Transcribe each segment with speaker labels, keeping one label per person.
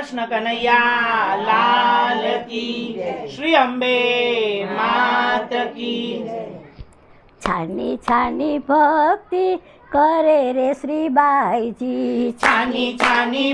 Speaker 1: कृष्ण कन्हैया लाल की श्री अम्बे मात की।
Speaker 2: छानी छानी भक्ति करे रे श्रीबाईजी,
Speaker 1: छानी छानी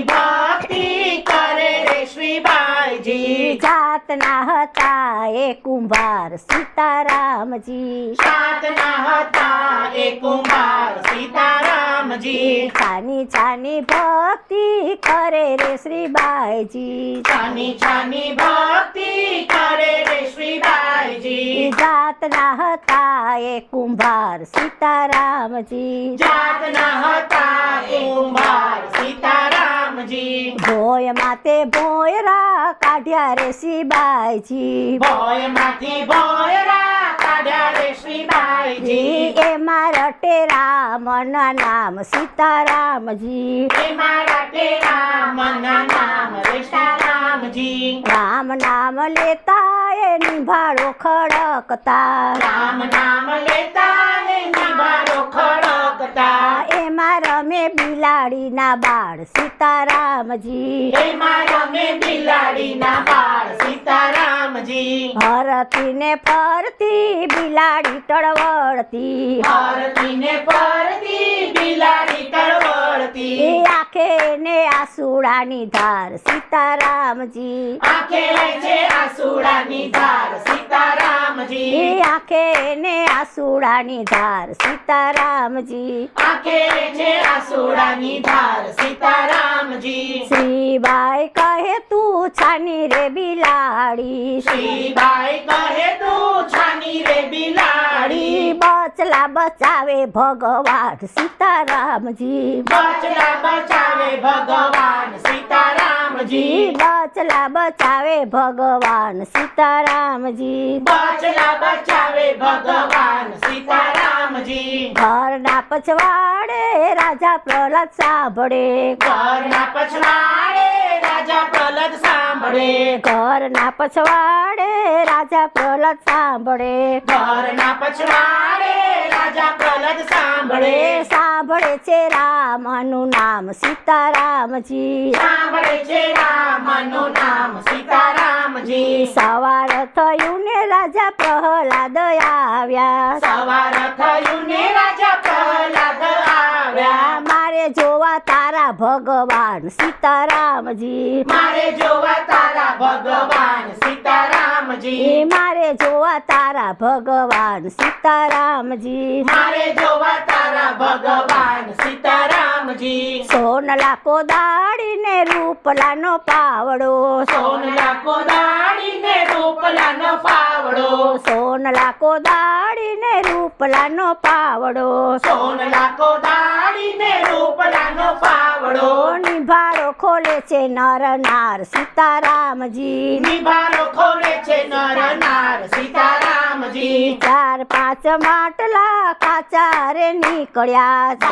Speaker 1: भक्ति करे रे श्रीबाईजी।
Speaker 2: जातना હતા એ કુંભાર સીતારામજી,
Speaker 1: जातना હતા એ કુંભાર સીતારામજી।
Speaker 2: છાની છાની ભક્તિ કરે રે શ્રીબાઈજી,
Speaker 1: छानी छानी भक्ति करे रे श्रीबाईजी।
Speaker 2: જાતના હતા એ કુંભાર સીતારામજી,
Speaker 1: जातना હતા એ કુંભાર સીતારામજી।
Speaker 2: ભોય માતે ભોયરા કાઢ્યા રે શ્રીબાઈજી,
Speaker 1: ભોય માંથી ભોયરા કાઢ્યા રે શ્રીબાઈજી।
Speaker 2: એમાં રટે રામના નામ સીતારામજી,
Speaker 1: એમાં રટે રામના નામ રે સીતારામજી।
Speaker 2: રામ નામ લેતા એ નિભાળો ખડકતા,
Speaker 1: રામ નામ લેતા ને નિભારો ખડકતા।
Speaker 2: એમાં રમે બિલાડીના બાળ સીતારામજી,
Speaker 1: એમાં રમે બિલાડીના બાળ સીતારામજી।
Speaker 2: હરતીને ફરતી બિલાડી તળવળતી,
Speaker 1: હરતી ને ફરતી બિલાડી તળવળતી।
Speaker 2: એ આંખે ને આસુડાની ધાર સીતારામજી,
Speaker 1: આંખે છે આસુડાની ધાર સીતારામજી।
Speaker 2: એ આંખે ને આસુડાની ધાર સીતારામજી,
Speaker 1: આંખે છે આસુડાની ધાર સીતારામજી।
Speaker 2: શ્રીબાઈ કહે તું છાની રે બિલાડી,
Speaker 1: શ્રીબાઈ કહે તું છાની રે બિલાડી।
Speaker 2: બચલા બચાવે ભગવાન સીતારામજી,
Speaker 1: બચલા બચાવે ભગવાન સીતારામજી।
Speaker 2: બચલા બચાવે ભગવાન સીતારામજી,
Speaker 1: બચલા બચાવે ભગવાન સીતારામજી।
Speaker 2: ઘરના પછવાડે રાજા પ્રહલાદ સાંભળે,
Speaker 1: ઘરના પછવાડે રાજા પ્રહલાદ સાંભળે।
Speaker 2: ઘરના પછવાડે રાજા પ્રહલાદ સાંભળે,
Speaker 1: ઘરના પછવાડે રાજા પ્રહલાદ સાંભળે।
Speaker 2: સાંભળે છે રામનું નામ સીતારામજી,
Speaker 1: સાંભળે છે રામનું નામ સીતારામજી।
Speaker 2: સવાર થયું ને રાજા પ્રહલાદ આવ્યા,
Speaker 1: સવાર થયું ને રાજા પ્રહલાદ આવ્યા।
Speaker 2: મારે જોવા તારા ભગવાન સીતારામજી,
Speaker 1: મારે જોવા તારા ભગવાન સીતારામજી।
Speaker 2: મારે જોવા તારા ભગવાન સીતારામજી,
Speaker 1: મારે જોવા તારા ભગવાન સીતારામજી।
Speaker 2: સોનલા કોદાળીને રૂપલાનો પાવડો,
Speaker 1: સોનલા કોદાળીને રૂપલાનો પાવડો।
Speaker 2: સોનલા કોદાળીને રૂપલાનો પાવડો,
Speaker 1: સોનલા કોદાળીને રૂપલાનો પાવડો।
Speaker 2: નિભાળો ખોલે છે નર નાર સીતારામજી,
Speaker 1: નિભારો ખોલે છે નર નાર સીતારામજી।
Speaker 2: 4-5 માટલા કાચા રે નીકળ્યા,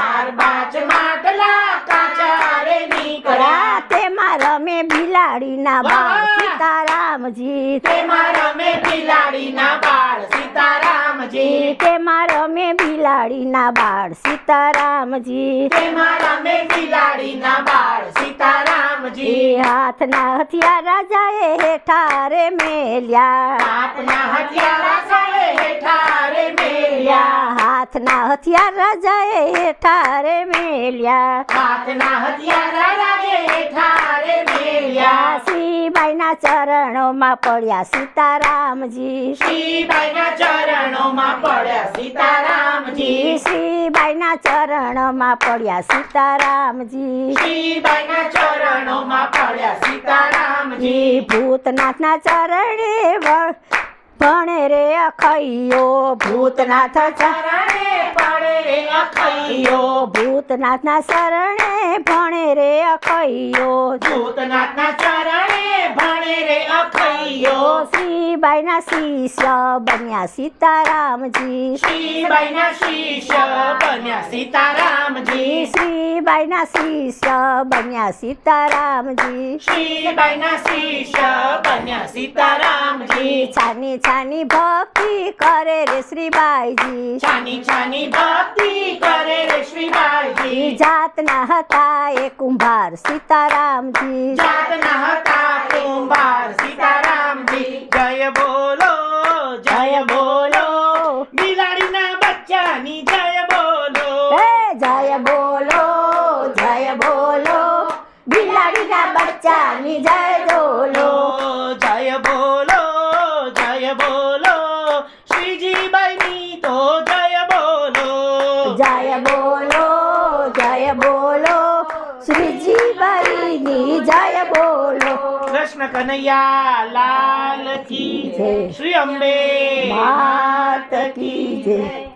Speaker 1: 4-5 માટલા કાચા રે નીકળ્યા।
Speaker 2: તેમાં રમે બિલાડીના બાળ સીતારામજી,
Speaker 1: તેમાં રમે બિલાડીના બાળ સીતારામજી।
Speaker 2: તેમાં રમે બિલાડીના બાળ સીતારામજી,
Speaker 1: તેમાં રમે બિલાડીના બાળ સીતારામજી।
Speaker 2: હાથના હથિયાર રાજાએ હેઠા રે મેલ્યા,
Speaker 1: આપના હથિયારા સાએ હેઠા રે મેલ્યા।
Speaker 2: હાથના હથિયાર રાજાએ હેઠા રે મેલ્યા,
Speaker 1: હાથના હથિયારા રાજે હેઠા રે મેલ્યા।
Speaker 2: શ્રીબાઈના ચરણોમાં પડ્યા સીતારામજી,
Speaker 1: શ્રીબાઈના ચરણોમાં પડ્યા सीतारामजी।
Speaker 2: श्रीबाईना चरणों पड्या सीतारामजी।
Speaker 1: श्रीबाईना चरणों पड्या सीतारामजी।
Speaker 2: भूतनाथना चरणे भणे रे अखैयो,
Speaker 1: भूतनाथ चरणे पड़े रे अखैयो।
Speaker 2: भूतनाथना चरणे भणे रे अखैयो।
Speaker 1: भूतनाथना चरणे भणे रे ખૈયો
Speaker 2: શ્રીબાઈના શિષ્ય બન્યા સીતારામજી
Speaker 1: શ્રીબાઈના શિષ્ય બન્યા સીતારામજી
Speaker 2: શ્રીબાઈના શિષ્ય બન્યા સીતારામજી
Speaker 1: શ્રીબાઈના શિષ્ય બન્યા સીતારામજી
Speaker 2: છાની છાની ભક્તિ કરે રે શ્રીબાઈજી
Speaker 1: છાની છાની ભક્તિ કરે રે શ્રીબાઈજી
Speaker 2: જાતના હતા એ કુંભાર સીતારામજી
Speaker 1: જાતના હતા કુંભાર સીતારામજી જય બોલો બિલાડીના બચ્ચાની જય બોલો
Speaker 2: એ જય બોલો બિલાડીના બચ્ચાની જય બોલો
Speaker 1: જય બોલો શ્રીજીબાઈની તો જય બોલો
Speaker 2: જય બોલો શ્રીજીબાઈની જય બોલો
Speaker 1: કૃષ્ણ કનૈયા લાલ કી
Speaker 2: જય.
Speaker 1: શ્રી અંબે
Speaker 2: માત કી જય